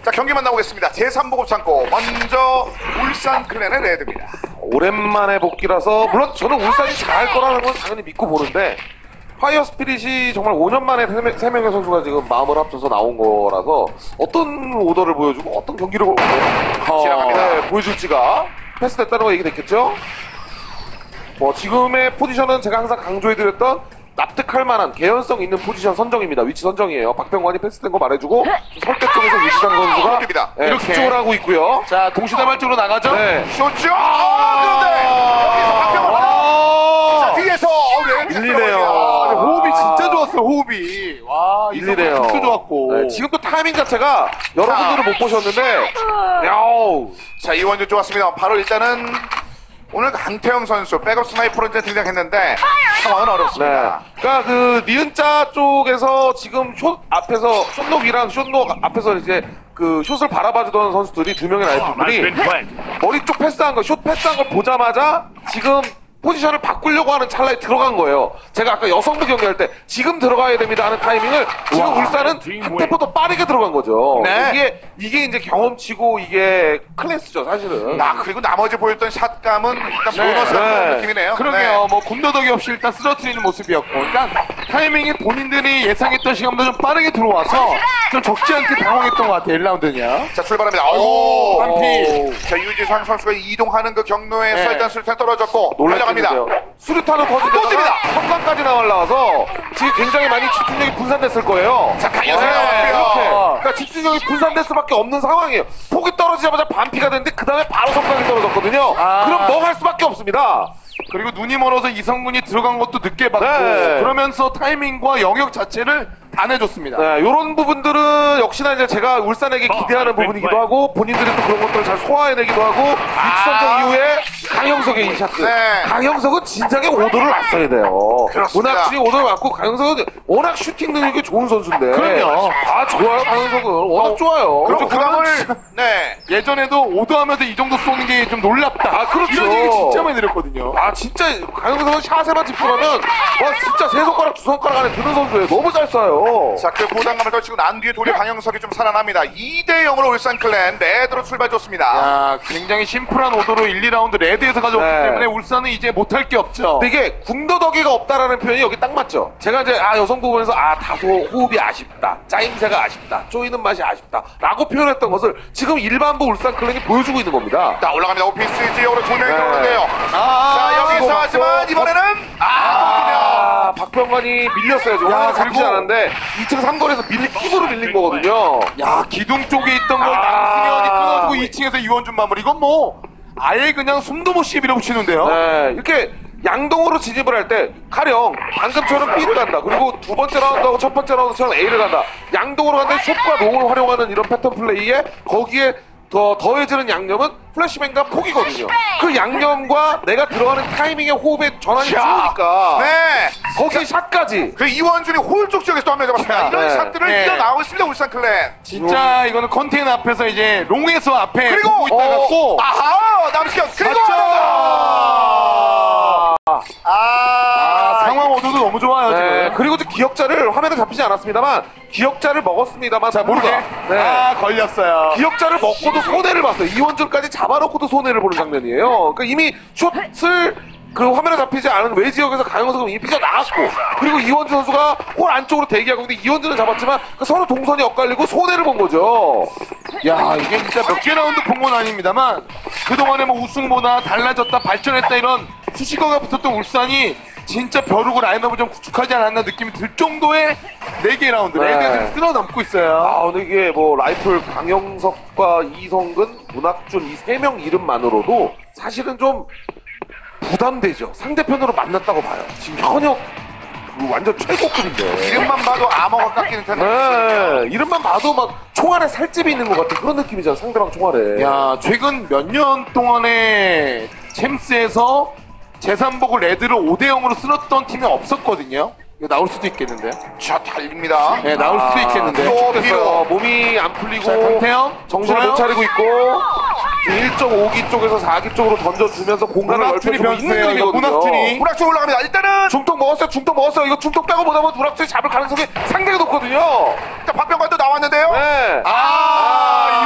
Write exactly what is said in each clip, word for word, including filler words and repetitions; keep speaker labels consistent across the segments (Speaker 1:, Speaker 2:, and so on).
Speaker 1: 자, 경기 만나보겠습니다. 제삼 보급 창고. 먼저 울산 클랜의 레드입니다.
Speaker 2: 오랜만에 복귀라서 물론 저는 울산이 잘할 거라는 건 당연히 믿고 보는데 파이어 스피릿이 정말 오 년 만에 세 명의 선수가 지금 마음을 합쳐서 나온 거라서 어떤 오더를 보여주고 어떤 경기를 어, 네, 보여줄지가 패스됐다는 거 얘기됐겠죠? 뭐 지금의 포지션은 제가 항상 강조해드렸던 납득할 만한 개연성 있는 포지션 선정입니다. 위치 선정이에요. 박병관이 패스된 거 말해주고 설대 쪽에서 유지상 선수가 네,
Speaker 3: 이렇게
Speaker 2: 집중을 하고 있고요.
Speaker 3: 자, 동시다발적으로 나가죠?
Speaker 2: 네.
Speaker 1: 쇼츠! 아, 그런데 여기서 박병관 하나! 자, 뒤에서
Speaker 2: 밀리네요.
Speaker 3: 아, 호흡이 진짜 좋았어요, 호흡이. 와,
Speaker 2: 밀리네요.
Speaker 3: 진짜 좋았고.
Speaker 2: 네, 지금 또 타이밍 자체가 여러분들은 못 보셨는데 야우.
Speaker 1: 자, 이원준 좋았습니다. 바로 일단은 오늘 강태영 선수 백업 스나이퍼로 이제 등장했는데 상황은 어렵습니다.
Speaker 2: 네. 그러니까 그 니은자 쪽에서 지금 숏 앞에서 숏록이랑 숏록 앞에서 이제 그 숏을 바라봐주던 선수들이 두 명의 라이플들이 머리 쪽 패스한 거, 숏 패스한 걸 보자마자 지금 포지션을 바꾸려고 하는 찰나에 들어간 거예요. 제가 아까 여성부 경기할 때 지금 들어가야 됩니다 하는 타이밍을 지금 와, 울산은 한 템포 더 빠르게 들어간 거죠.
Speaker 1: 네.
Speaker 2: 이게 이게 이제 경험치고 이게 클래스죠 사실은.
Speaker 1: 나 그리고 나머지 보였던 샷감은 일단
Speaker 3: 네.
Speaker 1: 보너스라는
Speaker 2: 네.
Speaker 1: 느낌이네요.
Speaker 3: 그러게요.
Speaker 1: 네.
Speaker 3: 뭐 군더더기 없이 일단 쓰러뜨리는 모습이었고, 그러니까 타이밍이 본인들이 예상했던 시간보다 좀 빠르게 들어와서 좀 적지 않게 당황했던 것 같아요. 일 라운드냐.
Speaker 1: 자, 출발합니다. 아이고,
Speaker 3: 한피.
Speaker 1: 자, 유지상 선수가 이동하는 그 경로에서
Speaker 3: 네.
Speaker 1: 일단 술탄 떨어졌고
Speaker 2: 놀랍니다.
Speaker 1: 달려갑니다.
Speaker 2: 수류탄을 터지다가 성광까지 나올라와서 지금 굉장히 많이 집중력이 분산됐을 거예요.
Speaker 1: 자, 강현석
Speaker 2: 네,
Speaker 1: 나왔고요.
Speaker 2: 이렇게. 그러니까 집중력이 분산될 수밖에 없는 상황이에요. 폭이 떨어지자마자 반피가 됐는데 그 다음에 바로 성광이 떨어졌거든요.
Speaker 3: 아.
Speaker 2: 그럼 뭐 할 수밖에 없습니다.
Speaker 3: 그리고 눈이 멀어서 이성군이 들어간 것도 늦게 봤고,
Speaker 2: 네.
Speaker 3: 그러면서 타이밍과 영역 자체를 다 내줬습니다.
Speaker 2: 네, 이런 부분들은 역시나 이제 제가 울산에게 기대하는 부분이기도 하고 본인들이 또 그런 것들을 잘 소화해내기도 하고 위치 선정 이후에 강형석의 이 샷들.
Speaker 1: 네.
Speaker 2: 강형석은 진작에 오더를 놨어야 돼요.
Speaker 1: 그렇습니다.
Speaker 2: 문학준이 오더를 놨고 강형석은 워낙 슈팅 능력이 좋은 선수인데.
Speaker 3: 그럼요.
Speaker 2: 아 좋아요 강형석은 워낙 좋아요.
Speaker 1: 그리고 그
Speaker 3: 그러면
Speaker 1: 다음을 네.
Speaker 3: 예전에도 오더하면서 이 정도 쏘는 게 좀 놀랍다.
Speaker 2: 아, 그렇죠.
Speaker 3: 이런 얘기 진짜 많이 들었거든요.
Speaker 2: 아 진짜 강형석은 샷에만 집중하면 와 진짜 세 손가락 두 손가락 안에 드는 선수예요. 너무 잘 쏴요.
Speaker 1: 자, 그 부담감을 떨치고 난 뒤에 도리 강영석이 좀 살아납니다. 이 대 영으로 울산 클랜 레드로 출발 좋습니다.
Speaker 3: 야, 굉장히 심플한 오더로 일, 이 라운드 레드에서 가져왔기
Speaker 2: 네.
Speaker 3: 때문에 울산은 이제 못할 게 없죠.
Speaker 2: 근데 이게 궁더더기가 없다라는 표현이 여기 딱 맞죠. 제가 이제 아 여성 부분에서 아 다소 호흡이 아쉽다, 짜임새가 아쉽다, 쪼이는 맛이 아쉽다라고 표현했던 것을 지금 일반부 울산 클랜이 보여주고 있는 겁니다.
Speaker 1: 자, 올라갑니다. 오피스 지역으로 두 명이
Speaker 2: 네.
Speaker 1: 들어오는데요.
Speaker 3: 아,
Speaker 1: 자, 여기서
Speaker 2: 이거
Speaker 1: 하지만
Speaker 2: 맞죠?
Speaker 1: 이번에는 아,
Speaker 2: 아, 박병관이 밀렸어요. 지금
Speaker 3: 야,
Speaker 2: 화면에 잡히지
Speaker 3: 그리고-
Speaker 2: 않았는데 이 층 삼거리에서 밀린 킥으로 밀린 거거든요.
Speaker 3: 야, 기둥 쪽에 있던 걸
Speaker 2: 아.
Speaker 3: 남승현이 끊어주고 이 층에서 이원준 마무리. 이건 뭐 아예 그냥 숨도 못 쉬게 밀어붙이는데요.
Speaker 2: 네, 이렇게 양동으로 진입을 할 때 가령 방금처럼 B를 간다. 그리고 두 번째 라운드하고 첫 번째 라운드처럼 A를 간다. 양동으로 간다. 숏과 롱을 활용하는 이런 패턴 플레이에 거기에 더 더해지는 양념은 플래시뱅과 폭이거든요. 그 양념과 내가 들어가는 타이밍의 호흡의 전환이
Speaker 1: 자,
Speaker 2: 좋으니까
Speaker 1: 네.
Speaker 2: 거기에 샷까지.
Speaker 1: 그 이원준이 홀쪽 지역에서 또 한 명 잡았습니다. 이런
Speaker 2: 네.
Speaker 1: 샷들을
Speaker 3: 네.
Speaker 1: 이어나오고 있습니다. 울산 클랜.
Speaker 3: 진짜 이거는 컨테이너 앞에서 이제 롱에서 앞에
Speaker 1: 그리고
Speaker 3: 보고 있다가
Speaker 1: 어,
Speaker 3: 꼭
Speaker 1: 아하 남시현 그리고
Speaker 3: 맞죠?
Speaker 1: 하나 더. 아,
Speaker 3: 아, 상황 오도도 너무 좋아요
Speaker 2: 네,
Speaker 3: 지금.
Speaker 2: 그리고 또 기억자를 화면에 잡히지 않았습니다만 기억자를 먹었습니다만 자
Speaker 3: 모르게.
Speaker 2: 네.
Speaker 3: 아, 걸렸어요.
Speaker 2: 기억자를 먹고도 손해를 봤어요. 이원준까지 잡아놓고도 손해를 보는 장면이에요. 그러니까 이미 숏을 그 화면에 잡히지 않은 외 지역에서 강영석은 이미 삐져 나갔고 그리고 이원준 선수가 홀 안쪽으로 대기하고 있는데 이원준은 잡았지만 그 서로 동선이 엇갈리고 손해를 본 거죠.
Speaker 3: 야, 이게 진짜 몇 개 라운드 본 건 아닙니다만 그동안에 뭐 우승보다 달라졌다 발전했다 이런 수식어가 붙었던 울산이 진짜 벼르고 라인업을 좀 구축하지 않았나 느낌이 들 정도의 네 개 라운드
Speaker 2: 네.
Speaker 3: 레드에서 쓸어넘고 있어요.
Speaker 2: 아 근데 이게 뭐 라이플 강영석과 이성근, 문학준 이 세 명 이름만으로도 사실은 좀 부담되죠. 상대편으로 만났다고 봐요. 지금 현역 그 완전 최고급인데.
Speaker 1: 이름만 봐도 암호가 깎이는 텐데.
Speaker 2: 네, 이름만 봐도 막 총알에 살집이 있는 것 같은 그런 느낌이잖아. 상대방 총알에.
Speaker 3: 야, 최근 몇 년 동안에 챔스에서 제삼복을 레드를 오 대 영으로 쓸었던 팀이 없었거든요. 이거 나올 수도 있겠는데요.
Speaker 1: 자, 달립니다.
Speaker 3: 네, 나올 수도 있겠는데.
Speaker 1: 또
Speaker 2: 됐어요. 몸이 안 풀리고
Speaker 3: 자, 강태영
Speaker 2: 정신을
Speaker 3: 좋아요.
Speaker 2: 못 차리고 있고 일 점 오 기 쪽에서 사 기 쪽으로 던져주면서 공간을
Speaker 3: 문학준이
Speaker 2: 넓혀주고 있는
Speaker 3: 변수예요. 이거
Speaker 2: 그림이거든요.
Speaker 3: 문학준이.
Speaker 1: 문학준 올라갑니다. 일단은
Speaker 2: 중통 먹었어요. 중통 먹었어요. 이거 중통 빼고 보다 보면 문학준이 잡을 가능성이 상당히 높거든요.
Speaker 1: 자, 박병관도 나왔는데요.
Speaker 2: 네.
Speaker 3: 아,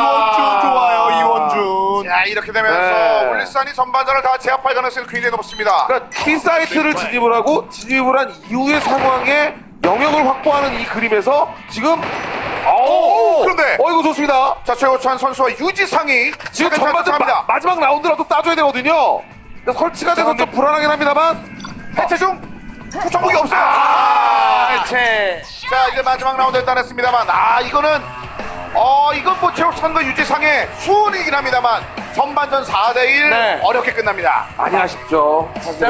Speaker 1: 이렇게 되면서
Speaker 2: 네.
Speaker 1: 울산이 전반전을 다 제압할 가능성이 굉장히 높습니다.
Speaker 2: 그러니까 T 사이트를 진입을 하고 진입을 한 이후의 상황에 영역을 확보하는 이 그림에서 지금 오
Speaker 1: 그런데!
Speaker 2: 어 이거 좋습니다.
Speaker 1: 자, 최호찬 선수와 유지상이
Speaker 2: 지금
Speaker 1: 상당히
Speaker 2: 전반전 마,
Speaker 1: 합니다.
Speaker 2: 마지막 라운드라도 따줘야 되거든요. 그러니까 설치가 돼서 좀 불안하긴 합니다만
Speaker 1: 해체 중 초청국이 없어요.
Speaker 2: 아,
Speaker 1: 아,
Speaker 2: 해체.
Speaker 1: 자, 이제 마지막 라운드에 따냈습니다만, 아, 이거는 어, 이건 뭐 최호찬과 유지상의 수훈이긴 합니다만 전반전 사 대 일
Speaker 2: 네.
Speaker 1: 어렵게 끝납니다.
Speaker 2: 많이 아쉽죠.